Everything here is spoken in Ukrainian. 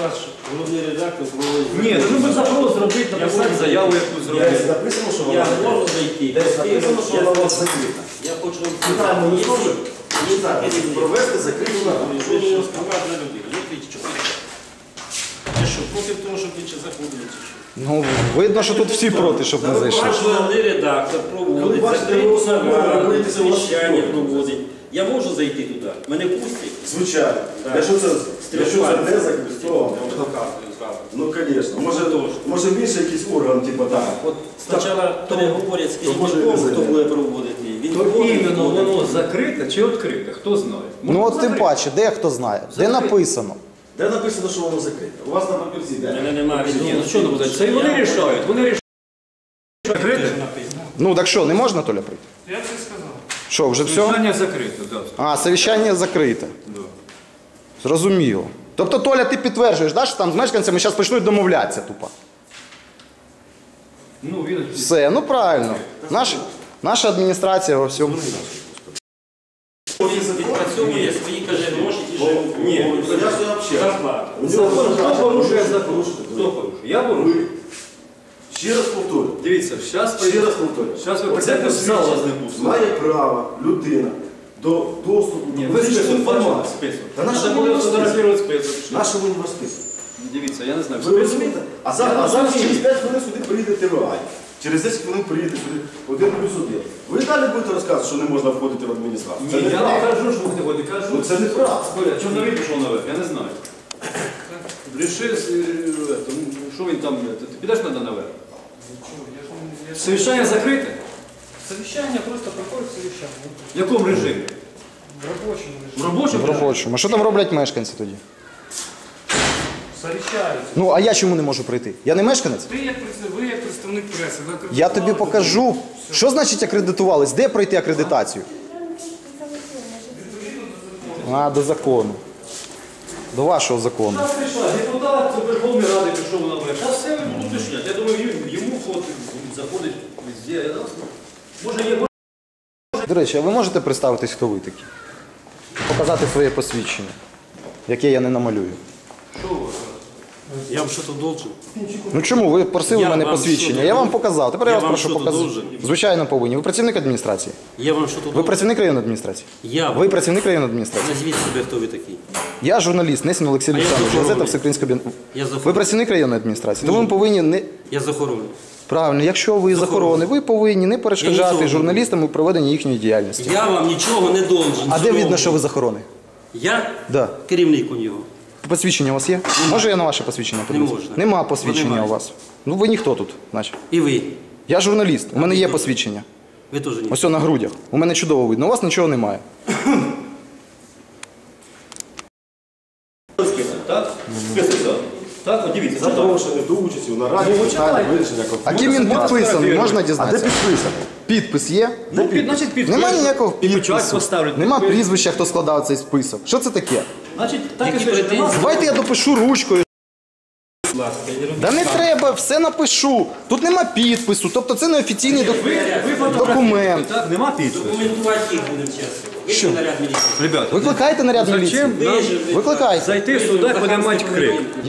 вас головний редактор проводить. Ні, ну ми запрос зробити, написати заяву якусь зробити. Написано, що Я вона можу зайти. десь написано, що вона у вас закрита. Я хочу Питаємо, ви зможете провести закриту нараду. Що ви розкривати на людину? Ну, ти що? Ти що, проти того, щоб інші заходили, чи що? Ну, видно, що тут всі проти, щоб не зайшли. Ваш головний редактор проводить, Коли бачите, закриті ви особливо наради, боїтеся вас совіщання проти. проводить. Я можу зайти туди? Мене пустять? Звичайно. Так. Якщо це не закрито, то, ну, звісно. Може більше якийсь орган, типу так. От спочатку переговорять з може керівником, не хто зайде. буде проводити. Він То проводить, іменно проводить. воно закрите чи відкрите, хто знає. Ну от тим паче, де хто знає, де написано. Де написано, що воно закрите? У вас на папірці У де? мене немає Ні, ну що не буде? Це і вони рішають. Вони рішають. Закрите? Ну так що, не можна, Толя, прийти? Я це сказав. Що, вже все? Питання закрите, так. А, совіщання закрите. Зрозуміло. Тобто, Толя, ти підтверджуєш, да, що там з мешканцями зараз почнуть домовлятися тупо? Ну, він... Все, ну правильно. Наша адміністрація во всьому. Відпрацьовує свої, каже, гроші і живуть. Ні, я ж взагалі. Зарплата. Закон, хто порушує закон? Хто порушує? Я порушую. Ще раз повторю. Дивіться, зараз Ще раз повторю. Зараз ви Оце прийдете в зал, вас не посвідчення пустять. має право людина до доступу Ні, до ви фізичної список бачили? інформації. Список. Та на що Треба ви було його список? фотографувати список. Наша ви його список? Дивіться, я не знаю. Ви розумієте? А зараз розумію. через 5 хвилин сюди приїде ТВА. Через 10 хвилин приїде сюди 1+1. Ви далі будете розказувати, що не можна входити в адміністрацію? Це Ні, я не неправда. кажу, що ви не ходите, кажу. Ну це неправда. Коля, чому не пішов наверх? Я не знаю. Ріши, що він там, ти підеш наверх? Совіщання закрите? Совещание просто проходит совещание. В якому режимі? В рабочем режиме. В робочому? В робочому. А що там роблять мешканці тоді? Совещаются. Ну, а я чому не можу прийти? Я не мешканець? Ви як представник преси. Ви Я тобі покажу. Що значить акредитувались? Де пройти акредитацію? А, до закону. До вашого закону. Зараз прийшла, депутат Верховної Ради пішов наверх. Зараз все будуть уточняти. Я думаю, йому ход заходить везде. Може є... До речі, а ви можете представитись, хто ви такі? Показати своє посвідчення, яке я не намалюю. Що у вас? Я вам щось должен? Ну чому? Ви просили Я мене вам посвідчення, що, я вам показав. Тепер я я вас вам прошу що-то показати. должен? Звичайно, повинні. Ви працівник адміністрації? Я вам що тут Ви должен? працівник районної адміністрації? Я Ви працівник районної адміністрації? Назвіть себе, хто ви такий. Я журналіст, Несін Олексій А я Олександрович, з охорони. газета Всеукраїнська Бін. Я з Ви охорони. працівник районної адміністрації, тому ви повинні не... Я з охорони. Правильно, якщо ви з охорони, ви повинні не перешкоджати нічого. журналістам у проведенні їхньої діяльності. Я вам нічого не должен. А де Знову. видно, що ви з охорони? Я Да. керівник у нього. Посвідчення у вас є? Може я на ваше посвідчення подивлюсь? можна. Нема посвідчення Немає. у вас. Ну ви ніхто тут, наче. І ви. Я журналіст, у мене є посвідчення. Ви теж ні. Ось на грудях. У мене чудово видно, у вас нічого немає. Так? Список. Так, от дивіться. Запрошені до участі в нараді питання вирішення А конфлікту. ким він підписаний, можна А де дізнатися? підписано? Підпис є? Ну, значить, підпис. Нема ніякого І печать підпису. поставлять. Нема прізвища, хто складав цей список. Що це таке? Значить, так і Які пише. претензії? Давайте я допишу ручкою. Будь ласка, я не роблю. Да не треба, все напишу. Тут нема підпису, тобто це не офіційний документ. Так, нема підпису. Документувати їх будемо чесно. Ви Що? наряд міліції. Ребята, Викликайте наряд міліції. зачем нам Викликайте. зайти сюди, подимати крик?